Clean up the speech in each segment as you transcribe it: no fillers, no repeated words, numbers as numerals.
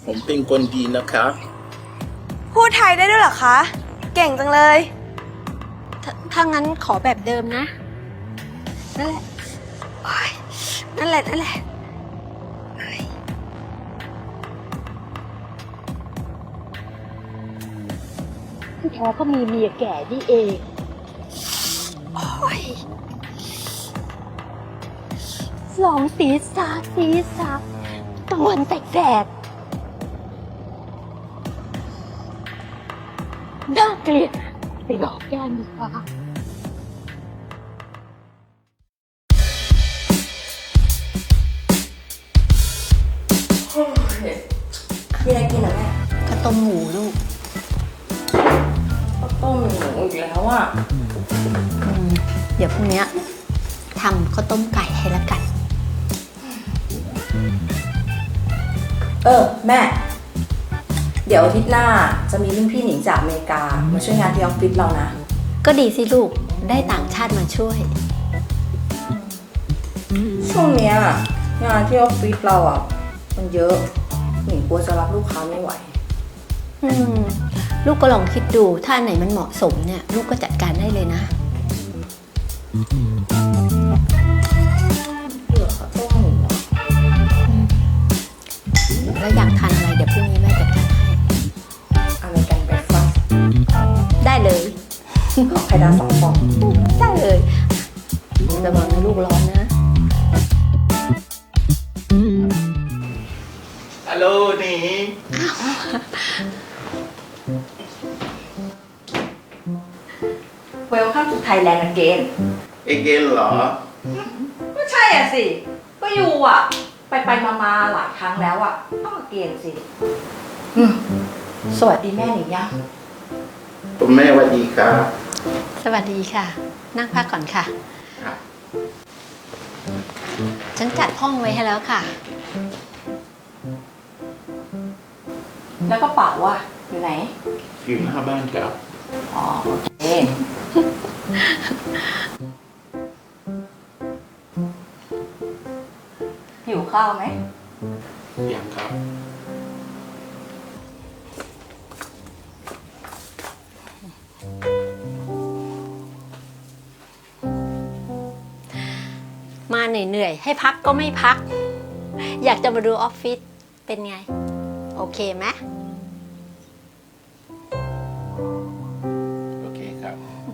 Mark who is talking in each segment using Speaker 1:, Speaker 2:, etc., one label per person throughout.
Speaker 1: ผมเป็นคนดีนะครับ
Speaker 2: พูดไทยได้ด้วยเหรอคะ เก่งจังเลย
Speaker 3: ถ้างั้นขอแบบเดิมนะ นั่นแหละโอ๊ยนั่นแหละเฮ้ยที่แท้ก็มีเมียแก่นี่เองโอ๊ยลองศีรษะตะวันแสกๆน่าเกลียดไปหลอกแก้มดีกว่า
Speaker 4: มีอะไรกินเหรอแม่
Speaker 3: ข้าวต้มหมูลูก
Speaker 4: ข้าวต้มหมูอีกแล้วอ่ะ
Speaker 3: เดี๋ยวพรุ่งนี้ทำข้าวต้มไก่ให้ละกัน
Speaker 4: แม่ เดี๋ยวอาทิตย์หน้าจะมีรุ่นพี่หนิงจากอเมริกามาช่วยงานที่ออฟฟิศเรานะ
Speaker 3: ก็ดีสิลูก ได้ต่างชาติมาช่วย
Speaker 4: ช่วงเนี้ยงานที่ออฟฟิศเราอ่ะมันเยอะหนิงกลัวจะรับลูกค้าไม่ไหว
Speaker 3: ลูกก็ลองคิดดู ถ้าอันไหนมันเหมาะสมเนี่ย ลูกก็จัดการได้เลยนะ
Speaker 4: เผื่อข้าวต้มหมูอะ
Speaker 3: แล้วอยากทานอะไรเดี๋ยวพรุ่งนี้แม่จัดการให้
Speaker 4: อเมริกันเบรคฟาสต์
Speaker 3: ได้เลย
Speaker 4: ขอไข่ดาว2 ฟอง
Speaker 3: ได้เลยระวังนะลูกร้อนนะ
Speaker 1: ฮัลโหลนี่
Speaker 4: Welcome to Thailand again
Speaker 1: เอเกนเหรอ
Speaker 4: ก็ใช่อ่ะสิ ก็อยู่อ่ะ ไปมาหลายครั้งแล้วอ่ะต้องมาเกณฑ์สิสวัสดีแม่หนิงยัง
Speaker 1: คุณแม่สวัสดีครับ
Speaker 3: สวัสดีค่ะ นั่งพักก่อนค่ะ
Speaker 1: ครับ
Speaker 3: ฉันจัดห้องไว้ให้แล้วค่ะ
Speaker 4: แล้วก็เป๋าอ่ะอยู่ไหน
Speaker 1: อยู่หน้าบ้านครับ
Speaker 4: อ๋อโอเคหิวข้าวไหม
Speaker 1: ยังครับ
Speaker 3: มาเหนื่อยๆให้พักก็ไม่พัก อยากจะมาดูออฟฟิศเป็นไง โอเคไหม
Speaker 1: โอเคครับ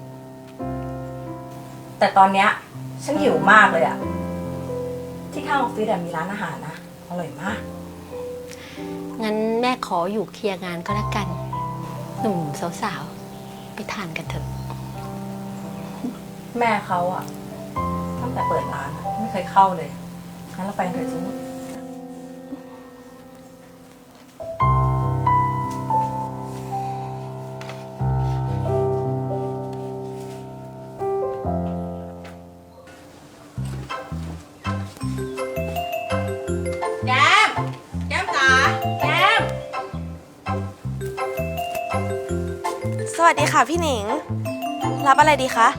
Speaker 4: แต่ตอนเนี้ยฉันหิวมากเลยอ่ะ ที่ข้างออฟฟิศมีร้านอาหารนะอร่อยมาก
Speaker 3: งั้นแม่ขออยู่เคลียร์งานก็แล้วกัน หนุ่มสาวๆ ไปทานกันเถอะ
Speaker 4: แม่เขาอ่ะตั้งแต่เปิดร้านอะไม่เคยเข้าเลยงั้นเราไปกันเถอะจินี่แก้มจ๋าแก้ม
Speaker 2: สวัสดีค่ะพี่หนิง รับอะไรดีคะ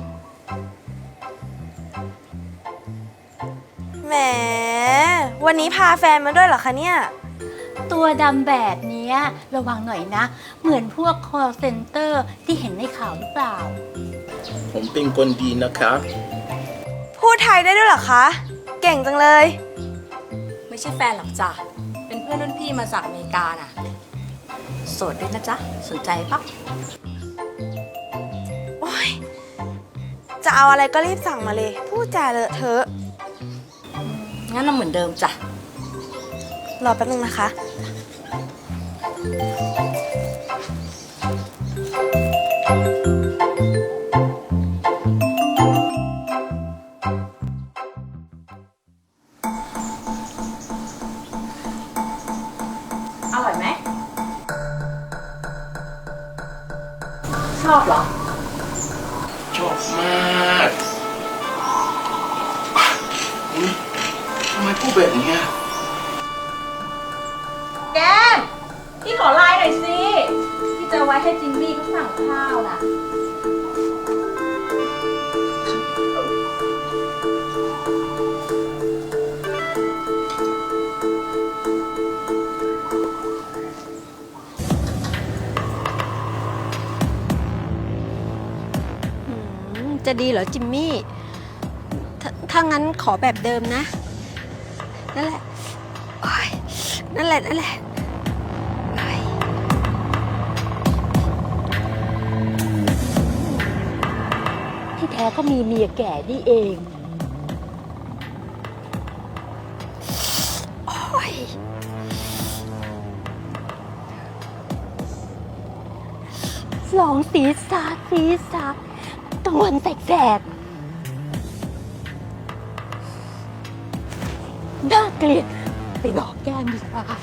Speaker 2: แหมวันนี้พาแฟนมาด้วยเหรอคะเนี่ย
Speaker 5: ตัวดำแบบนี้ระวังหน่อยนะ เหมือนพวก call center ที่เห็นในข่าวหรือเปล่า
Speaker 1: ผมเป็นคนดีนะครับ
Speaker 2: พูดไทยได้ด้วยเหรอคะ เก่งจังเลย
Speaker 4: ไม่ใช่แฟนหรอกจ้ะ เป็นเพื่อนรุ่นพี่มาจากอเมริกาน่ะ โสดด้วยนะจ๊ะ สนใจปะ
Speaker 2: โอ๊ย จะเอาอะไรก็รีบสั่งมาเลย พูดจาเลอะเทอะ
Speaker 4: งั้นเราเหมือนเดิมจ้ะ
Speaker 2: รอแป๊บนึงนะคะ
Speaker 4: อร่อยไหม ชอบเหรอ
Speaker 1: ชอบมากอุ๊ยทำไมพูดแบบเนี้ย
Speaker 4: แก้ม พี่ขอไลน์หน่อยสิ พี่จะไว้ให้จิมมี่เขาสั่งข้าวน่ะ
Speaker 3: จะดีเหรอจิมมี่ถ้างั้นขอแบบเดิมนะ นั่นแหละโอ๊ยนั่นแหละนั่นแหละโอ๊ย
Speaker 5: ที่แท้ก็มีเมียแก่นี่เอง
Speaker 3: โอ๊ย
Speaker 5: สองศีรษะตะวันแสกๆน่าเกลียดไปบอกแก้มดีกว่า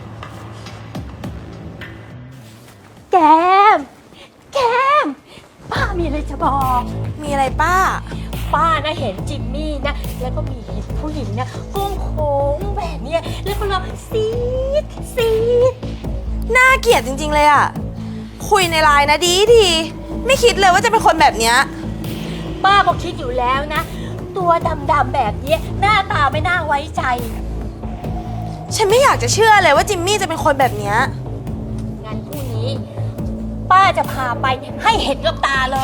Speaker 5: แก้มป้ามีอะไรจะบอก
Speaker 2: มีอะไรป้า
Speaker 5: ป้านะเห็นจิมมี่นะแล้วก็มีเห็นผู้หญิงนะก้มโค้งแบบเนี้ยแล้วก็ร้องซีด
Speaker 2: น่าเกลียดจริงๆเลยอะคุยในไลน์นะดีไม่คิดเลยว่าจะเป็นคนแบบเนี้ย
Speaker 5: ป้าก็คิดอยู่แล้วนะ ตัวดำๆแบบนี้หน้าตาไม่น่าไว้ใจ
Speaker 2: ฉันไม่อยากจะเชื่อเลยว่าจิมมี่จะเป็นคนแบบเนี้ย
Speaker 5: งั้นพรุ่งนี้ ป้าจะพาไปให้เห็นกับตาเลย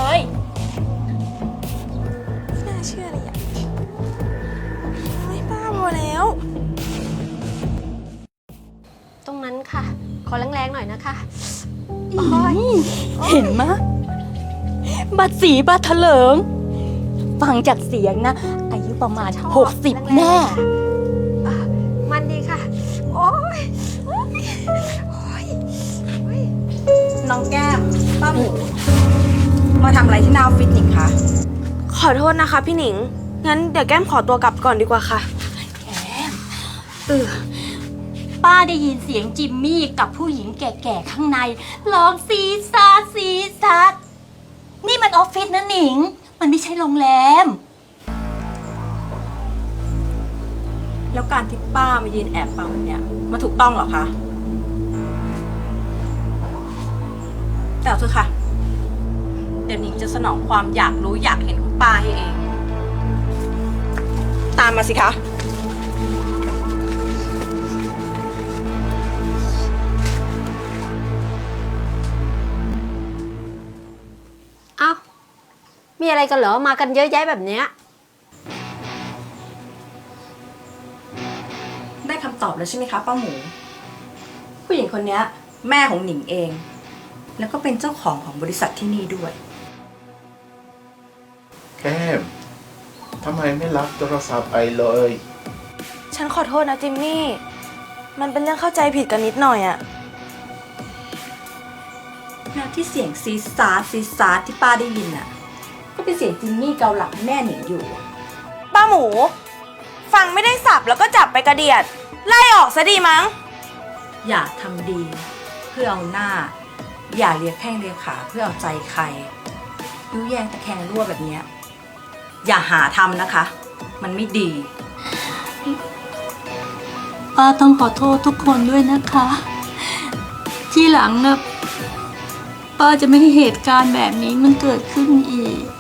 Speaker 2: ไม่น่าเชื่อเลยอะไม่ป้าพอแล้ว
Speaker 3: ตรงนั้นค่ะ ขอแรงๆหน่อยนะคะ
Speaker 5: เห็นมะบัดสีบัดเถลิง ฟังจากเสียงนะ อายุประมาณ
Speaker 3: ชอบ
Speaker 5: 60 แน่
Speaker 3: อ่ะมันดีค่ะ โอ๊ยโอ๊ยโอ๊ยโอ๊ย
Speaker 4: น้องแก้ม ป้าหมู มาทำอะไรที่หน้าออฟฟิศหนิงคะ
Speaker 2: ขอโทษนะคะพี่หนิง งั้นเดี๋ยวแก้มขอตัวกลับก่อนดีกว่าค่ะ
Speaker 5: ป้าได้ยินเสียงจิมมี่กับผู้หญิงแก่ๆข้างในร้องซีซาดนี่มันออฟฟิศนะหนิง มันไม่ใช่โรงแรม
Speaker 4: แล้วการที่ป้ามายืนแอบฟังแบบเนี้ยมาถูกต้องเหรอคะ แต่เอาเถอะค่ะ เดี๋ยวหนิงจะสนองความอยากรู้อยากเห็นของป้าให้เอง ตามมาสิคะ
Speaker 3: เอ้า มีอะไรกันเหรอ มากันเยอะแยะแบบเนี้ย
Speaker 4: ได้คำตอบแล้วใช่ไหมคะป้าหมู ผู้หญิงคนเนี้ยแม่ของหนิงเอง แล้วก็เป็นเจ้าของบริษัทที่นี่ด้วย
Speaker 1: แก้มทำไมไม่รับโทรศัพท์ไอเลย
Speaker 2: ฉันขอโทษนะจิมมี่ มันเป็นเรื่องเข้าใจผิดกันนิดหน่อยอะ
Speaker 4: แล้วที่เสียงซีซาร์ที่ป้าได้ยินน่ะ ก็เป็นเสียงจิมมี่เกาหลังแม่หนิงอยู่
Speaker 2: ป้าหมู ฟังไม่ได้สับแล้วก็จับไปกระเดียด ไล่ออกซะดีมั้ง
Speaker 4: อย่าทำดีเพื่อเอาหน้า อย่าเลียแข้งเลียขาเพื่อเอาใจใครยุแยงตะแคงรั่วแบบเนี้ยอย่าหาทำนะคะ มันไม่ดี
Speaker 5: ป้าต้องขอโทษทุกคนด้วยนะคะ ที่หลังนะป้าจะไม่ให้เหตุการณ์แบบนี้มันเกิดขึ้นอีก